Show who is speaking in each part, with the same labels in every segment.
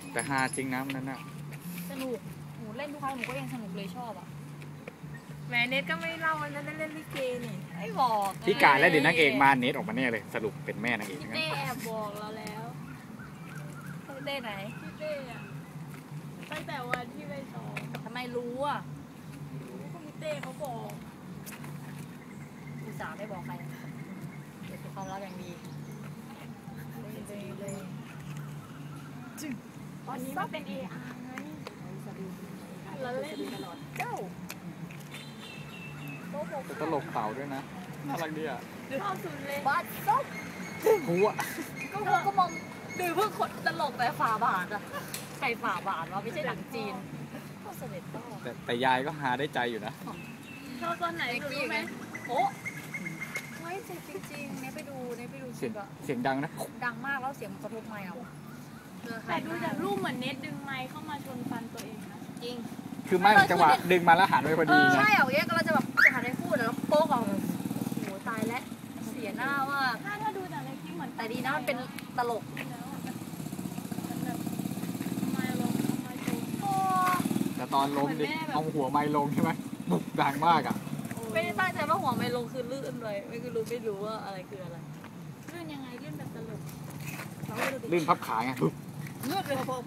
Speaker 1: แต่ฮาจริงนะนั่นน่ะ
Speaker 2: สนุกหนูเล่นทุกครั้งหนูก็ยังสนุกเลยชอบอ่ะ
Speaker 3: แม่เน็ตก็ไม่เล่าวันนั้นเล่นลิเกนี่
Speaker 2: ไม่บอก
Speaker 1: พี่กาและเดี๋ยวนางเอกมาเน็ตออกมาแน่เลยสรุปเป็นแม่นางเอก
Speaker 3: พี่เต้แอบบอกเราแล้ว
Speaker 2: พี่เต้ไหน
Speaker 3: พี่เต้อะตั้งแต่วันที่ไปสอน
Speaker 2: ทำไมรู้อ่ะ
Speaker 3: พี่เต้เขาบอก
Speaker 2: อุตส่าห์ไม่บอกใครเก็บความลับอย่างดีเลย
Speaker 3: ตอนนี้มันเป็น AR ไงเราเล่นเจ้า
Speaker 1: ตลกเต่าด้วยนะน่ารักดีอ่ะ
Speaker 3: ชอบสุดเลย
Speaker 2: บ้านส้ม
Speaker 1: หัว
Speaker 2: ก็มองดูเพื่อคนตลกแต่ฝ่าบาทอะใครฝ่าบาทวะไม่ใช่หนังจีนก็เสด็จพ่อ
Speaker 1: แต่ยายก็หาได้ใจอยู่นะ
Speaker 3: ชอบตอนไหนรู้ไหม
Speaker 2: โอ้ไม่จริงๆเนี่ยไปดู
Speaker 1: เสียงดังนะ
Speaker 2: ดังมากแล้วเสียงมันกระทบไมค์เอา
Speaker 3: แต่ดูจากรูปเหมือนเน็ตดึงไมค์เข้ามาชนฟันตัวเองนะ
Speaker 2: จริง
Speaker 1: คือไม่จังหวะดึงมาแล้วหันไปพอดี
Speaker 2: ใช่เหรอเนี่ยก็เราจะแบบจะหันไปพูดแล้วโป๊กเอาโหตายแล้วเสียหน้าว่า
Speaker 3: ถ้าดูจากในคลิปเหมือน
Speaker 2: แต่ดีนะมันเป็นตลก
Speaker 1: แต่ตอนล้มดิเอาหัวไม้ลงใช่ไหมบุกดังมากอ่ะ
Speaker 2: ไม่ได้ตั้งใจว่าหัวไม้ลงคือลื่นเลยไม่รู้ว่าอะไรคืออะไร
Speaker 3: ลื่นยังไงลื่นแบบตลก
Speaker 1: ลื่นพับขาไง
Speaker 2: ลื่นเลยพอ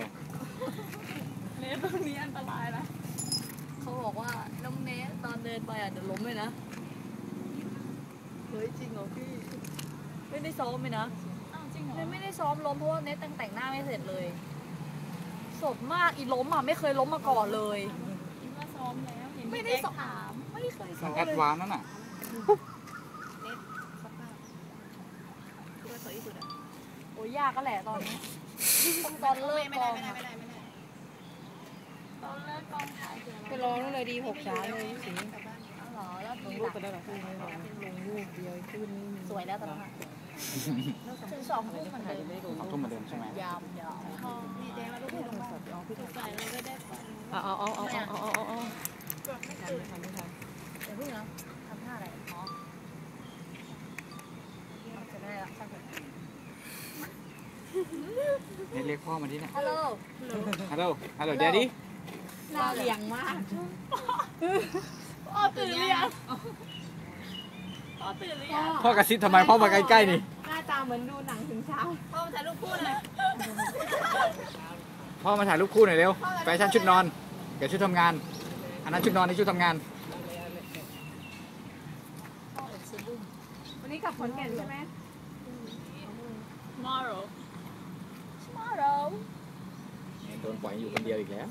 Speaker 3: เนสตรงนี้อันตรายนะ
Speaker 2: เขาบอกว่าน้องเนสตอนเดินไปเดี๋ยวล้มเลยนะเฮ้ยจริงเหรอพี่ไม่ได้ซ้อมไหมนะ
Speaker 3: จริงเหรอ
Speaker 2: ไม่ได้ซ้อมล้มเพราะว่าเนสแต่งหน้าไม่เสร็จเลยสดมากอีล้มไม่เคยล้มมาก่อนเลย
Speaker 3: คิดว่าซ้อมแล้ว
Speaker 2: ไม่ได้ถามไม่เคยซ้อม
Speaker 1: แอดวานซ์นั่นน่ะ
Speaker 2: เนสสภาพคือว่าสวยที่สุดอ่ะโอ้ยยากก็แหละตอนนี้ตอนเลิกกอง
Speaker 3: ตอนเลิกกองถ่าย
Speaker 4: ไปลองนู่นเลยดี6 ช้าเลยสิ
Speaker 2: หรอแล้ว
Speaker 4: ลงรูปไปได้หรอขึ้นไม่ลงรูปเดียวขึ้น
Speaker 2: สวยแล้วตอนนั้นถึง2 ทุ่มมันเดิม
Speaker 1: 2 ทุ่มเหมือนเดิมใช่ไหม
Speaker 2: ยาม
Speaker 3: มีแดงแล้วลูกลงสดเอาพี่ถูกใส่เราไม่ได้ฟัน
Speaker 4: เอา
Speaker 3: ไม่ทัน
Speaker 2: เดี๋ยวพึ่งนะทำท่าอะไรอ๋อจะได้ละช่างเถอะ
Speaker 1: เรียกพ่อมาที่นี่
Speaker 2: ฮัลโหล
Speaker 1: แดดดี้
Speaker 4: หน้าเลี้ยงมาก
Speaker 3: พ่อตื่นหรือยัง
Speaker 1: พ่อกระซิบทำไมพ่อมาใกล้ๆนี่
Speaker 4: หน้าตาเหมือนดูหนังถึงเช้า
Speaker 3: พ่อมาถ่ายรูปคู่เลย
Speaker 1: พ่อมาถ่ายรูปคู่หน่อยเร็วแฟชั่นชุดนอนกับชุดทำงานอันนั้นชุดนอนนี่ชุดทำงาน
Speaker 4: วันนี้กลับขอนแก่นใช่ไหม
Speaker 3: tomorrow
Speaker 1: โดนปล่อยอยู่คนเดียวอีกแล้ว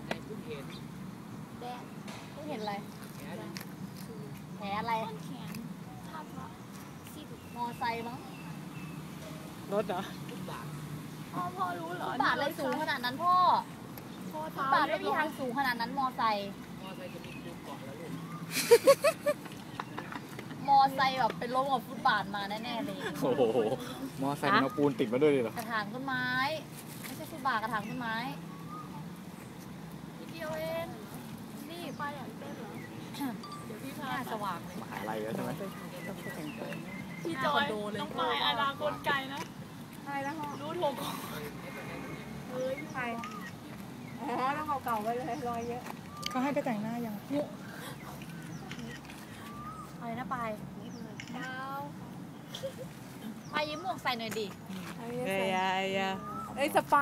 Speaker 2: แดงเพิ่งเห็นอะไรแผลอะไรมอไซค์มั้ง
Speaker 4: รถเหรอ
Speaker 3: พ่อรู้เหร
Speaker 2: อบาทเลยสูงขนาดนั้นพ่อบาทไม่มีทางสูงขนาดนั้นมอไซค์มอไซค์แบบเป็นล้มกับฟุตบาทมาแน่ๆเลย
Speaker 1: โอ้โหมอไซค์มาปูนติดมาด้วยเลยเหรอก
Speaker 2: ระถางต้นไม้ไม่ใช่ฟุตบาทกระถางต้นไม้นิดเดียวเองนี่
Speaker 3: ไปอย่างเต้นเหรอเดี๋ยวพี่พา
Speaker 2: สว่างเลย
Speaker 1: มหาลัยแล้วใช่ไหม
Speaker 3: พี่จอยน้องปลายอนาคตไกลนะ
Speaker 4: ใช่แล้ว
Speaker 3: รู้ถูก
Speaker 4: เฮ้ยใครอ๋อแล้วเก่าๆไปเลยรอยเยอะเขาให้ไปแต่งหน้ายัง
Speaker 2: อะไรนะปายดาวปายยิ้มหมวกใส่หน่อยดิ
Speaker 4: สไป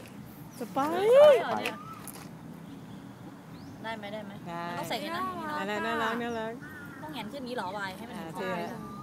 Speaker 2: ได้ไหมต้องใส่กันนะ
Speaker 4: น่ารัก
Speaker 2: ต้องแหงนขึ้นนี้หรอปายให้มัน
Speaker 4: เท่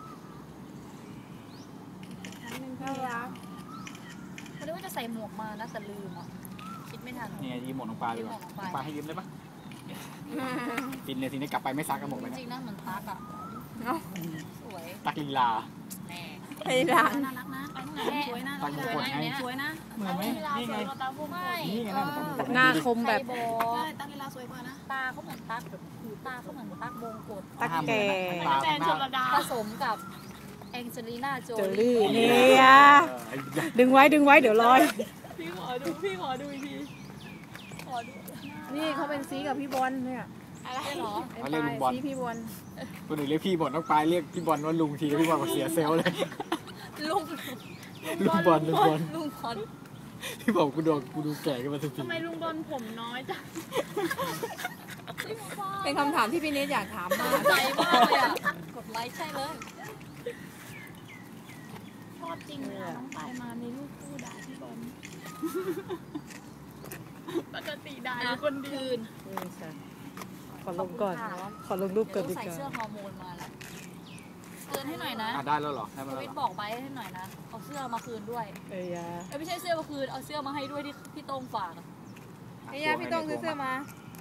Speaker 2: น่ารักเขาคิดว่าจะใส่หมวกมานะแต่ลืมคิดไม่ทัน
Speaker 1: นี่ยิ้มหมวกน้องปลาเลยน้องปลาให้ยิ้มได้ปะฟินเลยทีนี้กลับไปไม่ซักกันหมดเลย
Speaker 2: จริงนะเหมือนตักสวย
Speaker 1: ตักลีลา
Speaker 4: น่า
Speaker 2: รักนะสวยนะสวยนะ
Speaker 1: เหมือนไหมนี่ไง
Speaker 4: หน้าคมแบบ
Speaker 3: ตั้งเวลาสวยกว่านะ
Speaker 2: ตาเขาเหมือนตักแบบหูตาเขาเหมือนตักบงกฎ
Speaker 4: ตักแก่
Speaker 2: ผสมกับแองเจลิน่าโจ
Speaker 4: ลี่นี่ดึงไว้เดี๋ยวลอย
Speaker 3: พี่ขอดูอีกที
Speaker 4: นี่เขาเป็นซีกับพี่บอลเนี่ย
Speaker 2: อะไรหรอ
Speaker 1: เรียกลุงบอล
Speaker 4: พี่บอล
Speaker 1: คนอื่นเรียกพี่บอลน้องปลายเรียกพี่บอลว่าลุงทีพี่บอลก็เสียเซลเลย
Speaker 2: ลุง
Speaker 1: บอลที่บอกกูดูแก่ขึ้นมาทุกที
Speaker 3: ทำไมลุงบอลผมน้อยจัง
Speaker 4: เป็นคำถามที่พี่เนทอยากถามมาก
Speaker 2: ใจมากเลยอ่ะกดไลค์ใช่เลย
Speaker 3: ชอบจริงเลยน้องปายมาในรูปคู่ด่าพี่บอลปกติด่าอยู่คนเดียว
Speaker 4: นี่ค่ะขอลงก่อน ขอลงรูปก่อน
Speaker 2: เดี๋
Speaker 4: ดี
Speaker 2: ยวใส่
Speaker 4: กว่า
Speaker 2: เสื้อฮอร์โมนมาแล้วเตือนให้หน่อยนะ
Speaker 1: ได้แล้วเหรอได้มา
Speaker 2: ท
Speaker 1: แล้ว
Speaker 2: วิ
Speaker 1: เห
Speaker 2: ต
Speaker 1: รอ
Speaker 2: บอกไปให้หน่อยนะเอาเสื้อมาคืนด้วย
Speaker 4: เอ้ยยา
Speaker 2: ไม่ใช่เสื้อมาคืนเอาเสื้อมาให้ด้วยที่พี่โต้งฝากอะ
Speaker 4: เอ้ยยาพี่ต้องซื้อเสื้อมา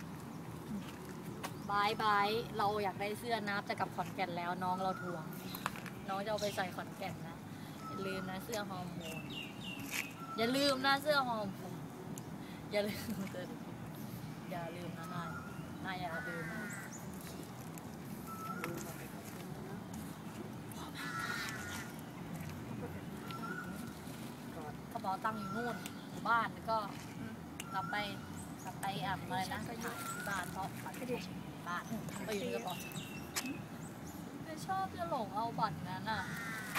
Speaker 2: บายบายเราอยากได้เสื้อนับจะกลับขอนแก่นแล้วน้องเราทวงน้องจะเอาไปใส่ขอนแก่นนะอย่าลืมนะเสื้อฮอร์โมนอย่าลืมนะเสื้อฮอร์โมนอย่าลืมอย่าลืมนะนายอย่าลืมนะกระเป๋าตังค์อยู่นู่นอยู่บ้านแล้วก็กลับไปอะไรนะไปถ่ายที่บ้านเพราะบัตรไม่ได้บ้านไปอยู่ในกระเป๋าไม่ชอบจะหลงเอาบัตรนั้นอ่ะ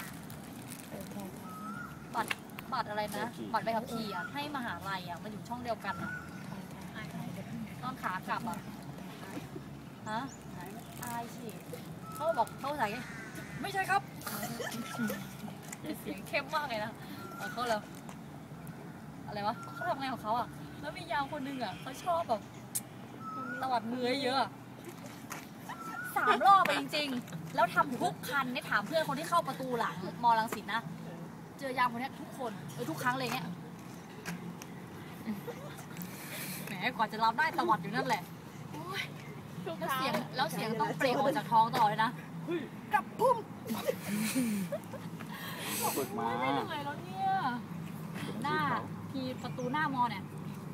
Speaker 2: บัตรอะไรนะบัตรไปขับขี่อ่ะให้มหาลัยอ่ะมันอยู่ช่องเดียวกันอ่ะตอนขากลับอ่ะฮะอายสิเขาบอกเขาใส่ไม่ใช่ครับเสียงเข้มมากเลยนะเขาแล้วอะไรวะเขาทำไงของเขาอ่ะแล้วมียามคนนึงอ่ะเขาชอบแบบตวัดมือเยอะ3 รอบไปจริงๆแล้วทำทุกคันได้ถามเพื่อนคนที่เข้าประตูหลังมอรังสิตนะเจอยามคนนี้ทุกคนทุกครั้งเลยเงี้ยแหมกว่าจะรับได้ตวัดอยู่นั่นแหละแล้วเสียงต้องเปล่งออกจากท้องตลอดเลยนะกับพุ่ม
Speaker 1: ฝึกมา
Speaker 2: ไม่เหนื่อยแล้วเนี่ยหน้าทีประตูหน้ามอเนี่ย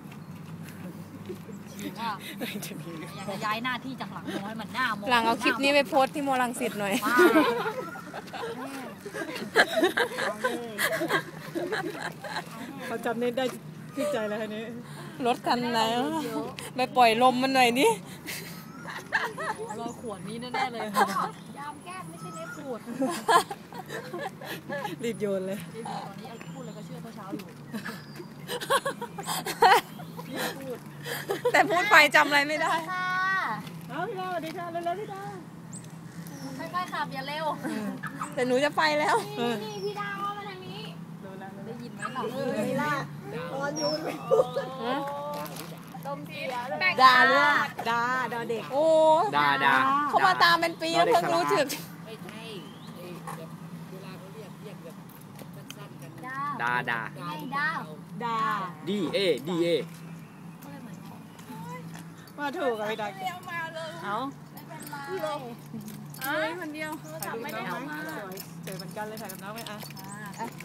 Speaker 2: ฉีกว่าอยากจะย้ายหน้าที่จากหลังมอให้มันหน้ามอ
Speaker 4: หลังเอาคลิปนี้ไปโพสต์ที่โมรังสิตหน่อย
Speaker 2: ว้า
Speaker 4: เขาจำเนทได้ที่ใจแล้วคันนี้รถคันไหนไปปล่อยลมมันหน่อยนี่
Speaker 2: รอขวดนี้แน่ๆเลยยามแก้มไม่ใช่เนื้อขวด
Speaker 4: รีบโยนเลย
Speaker 2: ตอนนี้พูดเลยก็เชื่อเมื่อเช้าอยู่
Speaker 4: แต่พูดไปจำอะไรไม่ได้
Speaker 2: ค่ะ
Speaker 4: เอาพี่ดาสวัสดีค่ะเร็วๆพี่ดา
Speaker 2: ค่อยๆขับอย่าเร็ว
Speaker 4: แต่หนูจะไปแล้ว
Speaker 3: นี่พี่ดาวมาทางนี้
Speaker 2: ได้ยินไหมหลับ
Speaker 3: เลยล่ะตอนยูนไม่พูดดมเสียเลย
Speaker 4: ดาด้วยดาเด็ก โอ้
Speaker 1: ดา
Speaker 4: เขามาตามเป็นปีแล้วเพิ่งรู้สึก
Speaker 2: ดาว
Speaker 1: ดา
Speaker 2: ไงดาว
Speaker 4: ดา
Speaker 1: DA
Speaker 4: มาถูกกับพี่ดา
Speaker 3: เอามาเลย
Speaker 4: เอา
Speaker 2: ไม่เป็นไร
Speaker 3: เฮ้ยคนเดียว
Speaker 4: ถ่ายรูปน้องไหมสวยเจอเหมือนกันเลยถ่ายกับน้องไหมอ่ะ
Speaker 2: อ่า